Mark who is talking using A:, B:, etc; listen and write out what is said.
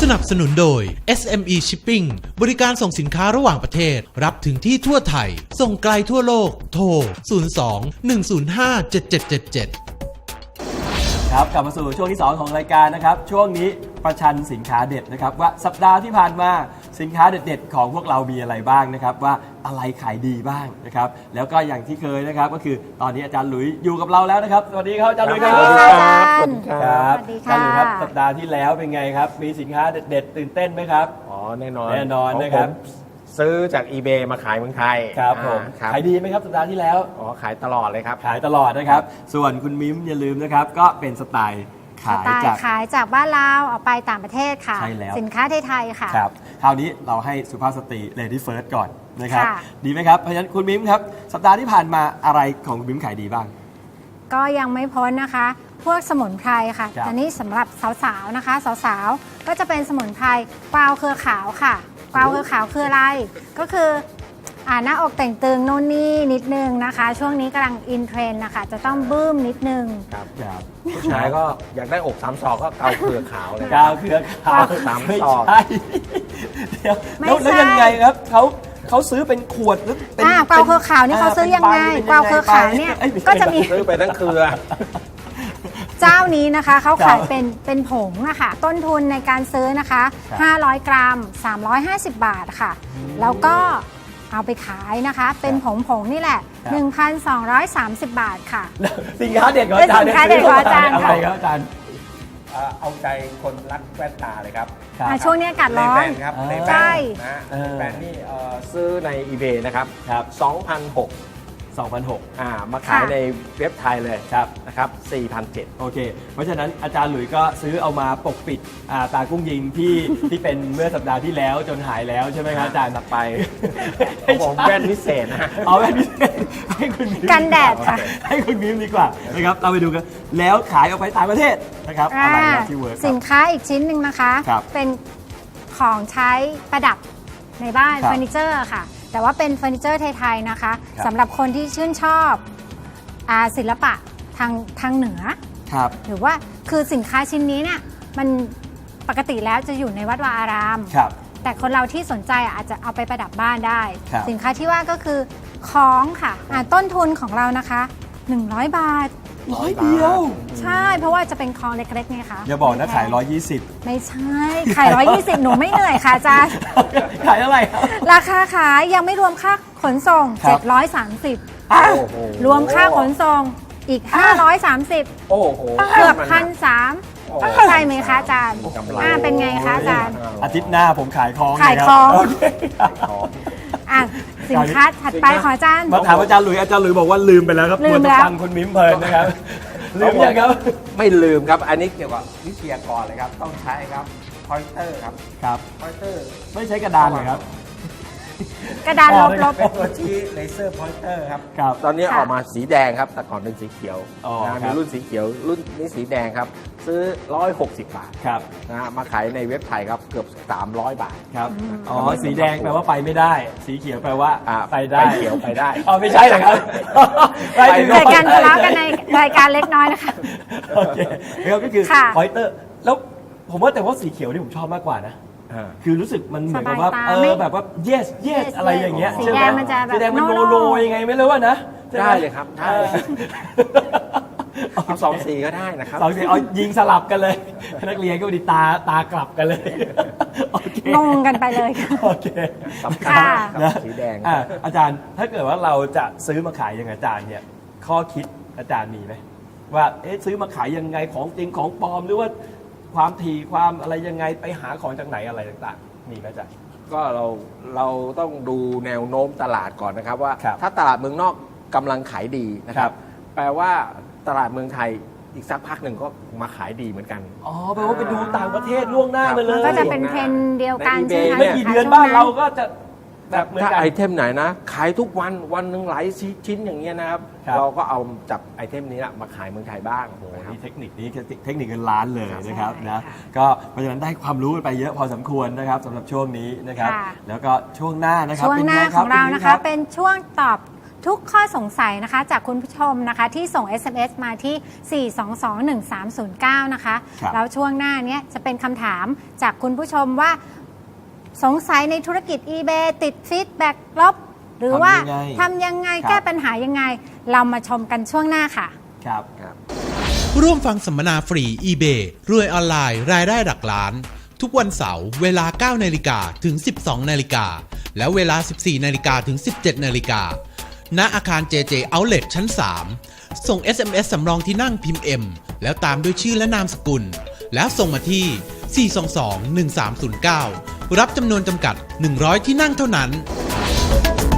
A: นับสนุนโดย SME Shipping บริการส่งสินค้าระหว่างประเทศรับถึงที่ทั่วไทยส่งไกลทั่วโลกโทร 02-105-7777
B: ครับกลับมาสู่ช่วงที่ 2 ของรายการนะครับช่วงนี้ประชันสินค้าเด็ดนะครับว่าสัปดาห์ที่ผ่านมาสินค้าเด็ดๆของพวกเรามีอะไรบ้างนะครับว่าอะไรขายดีบ้างนะครับแล้วก็อย่างที่เคยนะครับก็คือตอนนี้อาจารย์หลุยอยู่กับเราแล้วนะครับสวัสดีครับอาจารย์หลุยครับ
C: สวัสดีค่ะอาจารย์
B: ครับ
C: สวัสดี
B: อาจารย์หลุยครับ
C: ค่ะ
B: สัปดาห์ที่แล้วเป็นไงครับมีสินค้าเด็ดๆตื่นเต้นไหมครับ
D: อ๋อแน่นอน
B: แน่นอนนะครับ
D: ผมซื้อจาก eBay มาขายเมืองไทย
B: ครับผม
D: ครับ
B: ขายดีไหมครับสัปดาห์ที่แล้ว
D: อ๋อขายตลอดเลยครับ
B: ขายตลอดนะครับส่วนคุณมิ้มอย่าลืมนะครับก็เป็นสไตล์ขายจาก
C: ขายจากบ้านเราเอาไปต่างประเทศค่ะ
B: ใช่แล้ว
C: สินค้าไทยๆค่ะ
B: ครับคราวนี้เราให้สุภาพสตรี Lady First ก่อนนะครับ
C: ค่ะ
B: ดีไหมครับเพราะฉะนั้นคุณมิ้มครับสัปดาห์ที่ผ่านมาอะไรของคุณมิ้มขายดีบ้าง
C: ก็ยังไม่พ้นนะคะ พวกสมุนไพรค่ะ
B: ครับ
C: แต่นี่สำหรับสาวๆนะคะสาวๆก็จะเป็นสมุนไพรกวาวเครือขาวค่ะกวาวเครือขาวคืออะไรก็คือหน้าอกแต่งตึงโน่นนี่นิดนึงนะคะ ช่วงนี้กำลังอินเทรนด์นะคะจะต้องบึ้มนิดนึง
D: ครับ
B: ครับ
D: ผู้ชายก็อยากได้อก3 ศอกก็เกาเครือขาวเลย
B: กาวเครือขาว
D: สาม
B: ไม่
D: ซอง
B: ใช่เดี๋ยว
C: ไม่
B: แล้ว
C: ใช่
B: ยังไงครับเขาซื้อเป็นขวดหรือเป็น
C: กวาวเครือขาวนี่เขาซื้อยังไง
B: เป็น
C: กวาวเครือขาวเนี่ย
B: อ้ไม่ใช่
C: ก็จะมี
D: ซื้อไปทั้งเครือ
C: เจ้านี้นะคะเขา
B: ครั
C: ขาย
B: บ
C: เป็นผงอะค่ะต้นทุนในการซื้อนะคะ
B: ครับ
C: 500 กรัม 350 บาทค่ะ แล้วก็เอาไปขายนะคะ เป็นผงนี่แหละ 1,230 บาทค่ะ
B: สินค้าเด็ดของอาจารย์
C: เป็นสินค้าเด็ดของอาจารย์
B: อะไรครับอาจารย์
D: เอาใจคนรักแว่นตาเลยครับ
B: ครับ
C: ช่วงนี้อากาศร้อน
D: เลแว่นครับ
B: อ่า
D: เล
C: ใช่
D: แว่นนะ
B: เออ
D: เลแว่นนี่ซื้อใน eBay นะครับ
B: ครับ
D: 2,600
B: 2,600
D: มาขาย
C: ค่ะ
D: ในเว็บไทยเลย
B: ครับ
D: นะครับ4,700
B: โอเค เพราะฉะนั้นอาจารย์หลุยส์ก็ซื้อเอามาปกปิดตากุ้งยิงที่ ที่เป็นเมื่อสัปดาห์ที่แล้วจนหายแล้วใช่ไหมครับอาจารย์
D: ตัดไปของผมแว่นพิเศษนะ
B: เอาแบบนี้ให้คุณมิ้ม
C: กันแดดค่ะ
B: ให้คุณมิ้มดีกว่านะครับเราไปดูกันแล้วขายออกไปต่างประเทศนะครับอะไรนะที่เวิร์ก
C: สินค้าอีกชิ้นหนึ่งนะคะ
B: ครับ
C: เป็นของใช้ประดับในบ้าน
B: ครับ
C: เฟอร์นิเจอร์ค่ะ แต่ว่าเป็นเฟอร์นิเจอร์ไทยๆนะคะ
B: ครับ
C: สำหรับคนที่ชื่นชอบศิลปะทางเหนือ
B: ครับ
C: หรือว่าคือสินค้าชิ้นนี้เนี่ยมันปกติแล้วจะอยู่ในวัดวาอาราม
B: ครับ
C: แต่คนเราที่สนใจอาจจะเอาไปประดับบ้านได้
B: ครับ
C: สินค้าที่ว่าก็คือของค่ะต้นทุนของเรานะคะ 100 บาท
B: 100 เดียว
C: ใช่ เพราะว่าจะเป็นของเล็กๆไงคะ
B: อย่าบอกนะขาย
C: ไม่ใช่ขาย 120 หนูไม่เหนื่อยค่ะอาจารย์
B: 120 ขายอะไรครับ
C: ราคาขายยังไม่รวมค่าขนส่ง
B: ครับ
C: 730
B: อ้าว
D: โอ้โห
C: รวมค่าขนส่งอีก 530
D: โอ้โห
C: เกือบ
D: มัน
C: 1,300
D: โอ้โห
C: ใช่ไหมคะอาจารย์
D: กำไร
C: เป็นไงคะอาจารย์
B: อาทิตย์หน้าผมขายของ
C: ขาย
B: เล
C: ของ
B: รับโเคครับ
C: สินค้าถัดไปของอาจารย์
B: มาถามอาจารย์หลุยส์อาจารย์หลุยส์บอกว่าลืมไปแล้วครับ
C: ลืม
B: ว
C: แล้ว
B: ฟังคุณมิ้มเพลินนะครับ ลืมยังครับ
D: ไม่ลืมครับ อันนี้เกี่ยวกับวิทยากรเลยครับ ต้องใช้ครับพอยเตอร์ครับ
B: ครับ
D: พอยเตอร์
B: ไม่ใช้กระดานเลยครับ
C: กระดานลบ
D: เป็นตัวชี้เลเซอร์พอยเตอร์ครับ
B: ครับ
D: ตอนนี้
C: ค่ะ
D: ออกมาสีแดงครับ แต่ก่อนเป็นสีเขียว
B: อ๋อ
D: นะครับ มีรุ่นสีเขียว รุ่นนี้สีแดงครับ ซื้อ 160 บาท
B: ครับ
D: นะฮะมาขายในเว็บไทยครับ เกือบ 300 บาท
B: ครับ อ๋อ สีแดงแปลว่าไปไม่ได้ สีเขียวแปลว่า
D: อ่า
B: ไปได้
D: ไปเขียวไปได้
B: อ๋อไม่ใช่เหรอครับ
D: ไปได้
C: รายการทะเลาะกันในรายการเล็กน้อยนะคะ
B: โอเคนะครับก็คือ
C: ค่ะ
B: พอยเตอร์ แล้วผมว่าแต่ว่าสีเขียวนี่ผมชอบมากกว่านะ คือรู้สึกมันเหมือนกับว่า
C: สบายตาไม่
B: แบบว่า yes yes
C: yes
B: อะไรอย่างเงี้ย
C: สี
B: ใช่ไห
C: แดงมันจะแบบ
B: สีแดงมัน
C: no
B: โน
C: no
B: โนยังไงไม่รู้อะนะใช่หม
D: ได้เลยครับได้
B: เออ
D: เอา2 สีก็ได้นะครับ
B: สองสีเอายิงสลับกันเลย นักเรียนก็ดีตากลับกันเลยโอเค
C: งงกันไปเลยค่ะ
B: โอเค
D: สำคัญ
C: ค่ะ
D: ครับสีแดง
B: อาจารย์ถ้าเกิดว่าเราจะซื้อมาขายอย่างอาจารย์เนี่ยข้อคิดอาจารย์มีไหมว่าซื้อมาขายยังไงของจริงของปลอมหรือว่าความถี่ความอะไรยังไงไปหาของจากไหนอะไรต่างๆมีไหมอาจารย์
D: ก็เราต้องดูแนวโน้มตลาดก่อนนะครับว่า
B: ครับ
D: ถ้าตลาดเมืองนอกกำลังขายดีนะค
B: ครั
D: รับ บ แปลว่าตลาดเมืองไทยอีกสักพักหนึ่งก็มาขายดีเหมือนกัน
B: อ๋อแปลว่าไปดูต่างประเทศล่วงหน้ามาเลย
C: ก็จะเป็นเทรนด์เดียวกัน
D: ใน
C: ใช่ไหม
D: eBay
C: คะ
B: ไม่กี่เดือนบ้านเราก็จะแบบเหมือน
D: ถ้า
B: กัน
D: ไอเทมไหนนะ ขายทุกวันวันหนึ่งหลายชิ้นอย่างเงี้ยนะครับ
B: ครับ
D: เราก็เอาจับไอเทมนี้นะมาขายเมืองไทยบ้าง
B: โอ้โห
D: นะครับ
B: นี่เทคนิคนี้เทคนิคเงินล้านเลยนะครับ
C: ใช่
B: นะ
C: ค่ะ
B: ก็เพราะฉะนั้นได้ความรู้กันไปเยอะพอสมควรนะครับสำหรับช่วงนี้นะครับ
C: ค่ะ
B: แล้วก็ช่วงหน้านะครับ
C: ช่วงหน้า
B: ป็ไ
C: ของเรา
B: ณมิ้
C: นะคะ
B: รับ
C: เป็นช่วงตอบทุกข้อสงสัยนะคะจากคุณผู้ชมนะคะที่ส่ง SMS มาที่ 4221309 นะคะ
B: ครับ
C: แล้วช่วงหน้านี้จะเป็นคำถามจากคุณผู้ชมว่าสงสัยในธุรกิจ eBay ติดฟีดแบ็กลบ หรือว่าทำยังไง
B: ครับ
C: แก้ปัญหายังไง เรามาชมกันช่วงหน้าค่ะ
B: ครับ
A: ร่วมฟังสัมมนาฟรี eBay รวยออนไลน์รายได้หลักล้าน ทุกวันเสาร์เวลา 9 นาฬิกาถึง 12 นาฬิกา และเวลา 14 นาฬิกาถึง 17 นาฬิกา ณ อาคาร JJ Outlet ชั้น 3 ส่ง SMS สำรองที่นั่งพิมพ์ M แล้วตามด้วยชื่อและนามสกุล แล้วส่งมาที่ 422-1309 รับจำนวนจำกัด 100 ที่นั่งเท่านั้น